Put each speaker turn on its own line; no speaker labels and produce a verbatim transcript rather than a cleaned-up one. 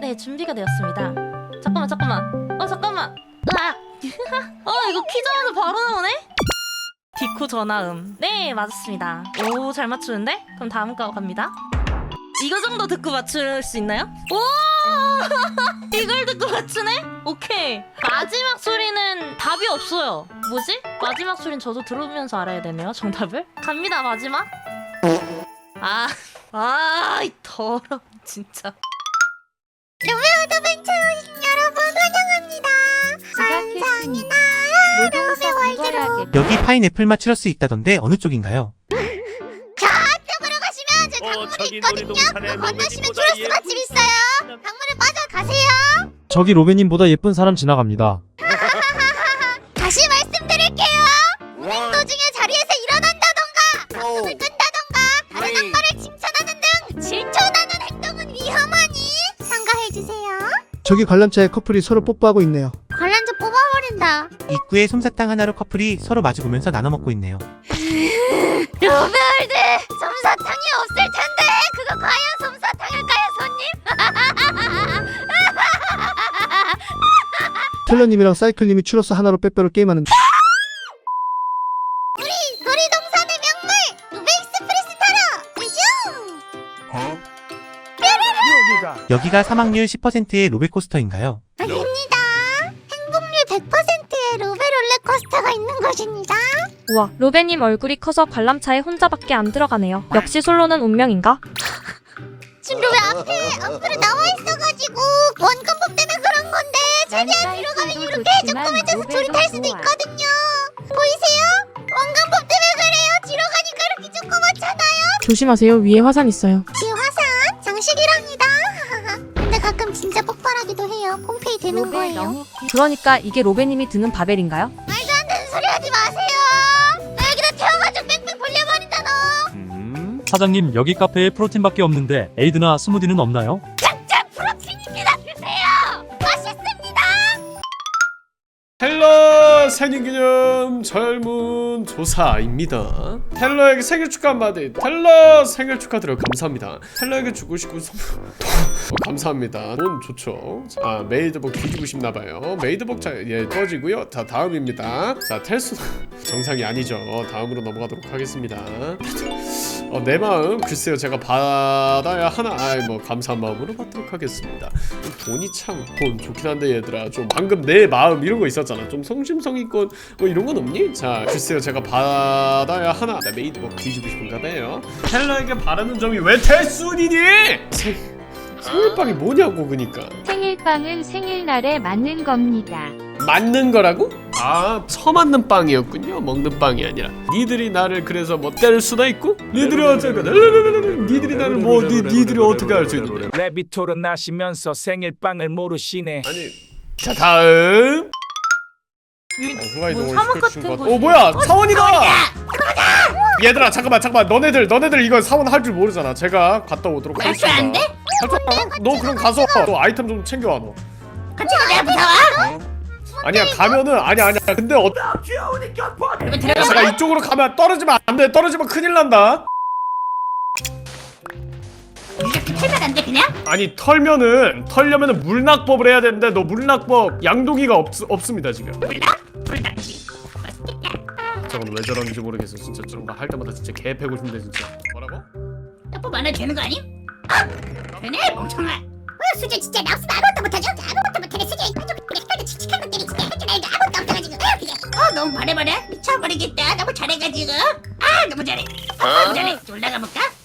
네, 준비가 되었습니다. 잠깐만, 잠깐만. 어, 잠깐만. 으악. 어, 이거 키자마자 바로 나오네? 디코 전화음. 네, 맞았습니다. 오, 잘 맞추는데? 그럼 다음 거 갑니다. 이거 정도 듣고 맞출 수 있나요? 오! 이걸 듣고 맞추네? 오케이. 마지막 소리는 답이 없어요. 뭐지? 마지막 소리는 저도 들으면서 알아야 되네요, 정답을. 갑니다, 마지막. 아, 아, 이 더러, 진짜.
로베오더 벤처 오신 여러분 환영합니다. 감사합니다. 로베 월드로
여기 파인애플 맛 추러스 있다던데 어느 쪽인가요?
저쪽으로 가시면 저
어,
강물이
저기
있거든요.
놀이동산에
그거 건너시면
로베님보다
추러스
예-
맛집 있어요. 강물에 빠져 가세요.
저기 로베님보다 예쁜 사람 지나갑니다.
다시 말씀드릴게요. 운행 도중에 자리에서 일어난다던가 방송을 끈다던가 다른 악마를 칭찬하는 등 질투나는 행동은 위험하니 삼가해주세요.
저기 관람차에 커플이 서로 뽀뽀하고 있네요.
관람자 뽑아버린다.
입구에 솜사탕 하나로 커플이 서로 마주보면서 나눠 먹고 있네요.
로베월드 솜사탕이 없을 텐데 그거 과연 솜사탕일까요, 손님?
텔러님이랑 사이클님이 추러스 하나로 빼빼로 게임하는데
우리 놀이동산의 명물 로베 익스프레스 타러 슝!
여기가 사막률 십 퍼센트의 로베코스터인가요?
아닙니다. 행복률 백 퍼센트의 로베 롤러코스터가 있는 곳입니다.
우와, 로베님 얼굴이 커서 관람차에 혼자밖에 안 들어가네요. 역시 솔로는 운명인가?
지금 로베 앞에 앞으로 나와 있어가지고 원근법 때문에 그런 건데 최대한 뒤로 가면 이렇게 조그매져서 둘이 탈 수도 있거든요. 보이세요? 원근법 때문에 그래요. 뒤로 가니까 이렇게 조그맣잖아요.
조심하세요. 위에 화산 있어요.
이 화산 장식이랍니다. 근데 가끔 진짜 폭발하기도 해요. 폼페이 되는 거예요.
그러니까 이게 로베님이 드는 바벨인가요?
말도 안 되는 소리 하지 마세요. 나 여기다 태워가지고 뺑뺑 돌려버린다 너.
음, 사장님 여기 카페에 프로틴밖에 없는데 에이드나 스무디는 없나요?
짱짱 프로틴입니다. 드세요. 맛있습니다.
텔러 생일기념 젊은 조사입니다. 텔러에게 생일 축하 한마디. 텔러 생일 축하드려 감사합니다. 텔러에게 주고 싶은 선물 어, 감사합니다. 돈 좋죠. 자 메이드복 뒤지고 싶나봐요. 메이드복 자, 예 꺼지고요. 자 다음입니다. 자 텔수 정상이 아니죠. 다음으로 넘어가도록 하겠습니다. 어, 내 마음 글쎄요 제가 받아야 하나 아이 뭐 감사한 마음으로 받도록 하겠습니다. 돈이 참 돈 좋긴 한데 얘들아 좀 방금 내 마음 이런 거 있었잖아. 좀 성심성의껏 뭐 이런 건 없니? 자 글쎄요 제가 받아야 하나 나 메이드복 뒤지고 싶은가 봐요. 텔러에게 바라는 점이 왜 태순이니? 생, 생일빵이 뭐냐고 그니까.
생일빵은 생일날에 맞는 겁니다.
맞는 거라고? 아 처맞는 빵이었군요. 먹는 빵이 아니라. 니들이 나를 그래서 뭐 때릴 수도 있고 니들이 어쩌고 니들이 나를 뭐 니, 니들이 어떻게 할 수 있는데.
레비토로 나시면서 생일빵을 모르시네.
아니 자 다음 어, 후라이도
뭐
올
사막
시켜주신
같은
것 같아.
곳이-
어 뭐야 사원이다. 얘들아 잠깐만 잠깐만 너네들 너네들 이거 사원 할 줄 모르잖아. 제가 갔다 오도록 하겠습니다.
안 돼?
할줄 알아? 너 그럼 가서 너 아이템 좀 챙겨와 너.
같이 가. 내가 무서워?
아니야 가면은 아니야 아니야 근데 어 야, 잠깐 이쪽으로 가면 떨어지면 안돼. 떨어지면 큰일 난다.
이렇게 털면 안 돼 그냥?
아니 털면은 털려면은 물낙법을 해야 되는데 너 물낙법 양동이가 없, 없습니다 지금.
불닭지.
저건 왜 저러는지 모르겠어 진짜. 저런 거 할 때마다 진짜 개 패고 싶네 진짜. 뭐라고?
떡밥 안 해도 되는 거 아님? 되네 멍청아. 어 수지 진짜 나 없으면 아무것도 못하죠? 아무것도 못하네 수지. 색깔도 칙칙한 것들이 진짜 할 줄 알고 아무것도 없어가지고 어 너무 바래바래 미쳐버리겠다. 너무 잘해가지고 아 너무 잘해. 너무 잘해. 올라가 볼까?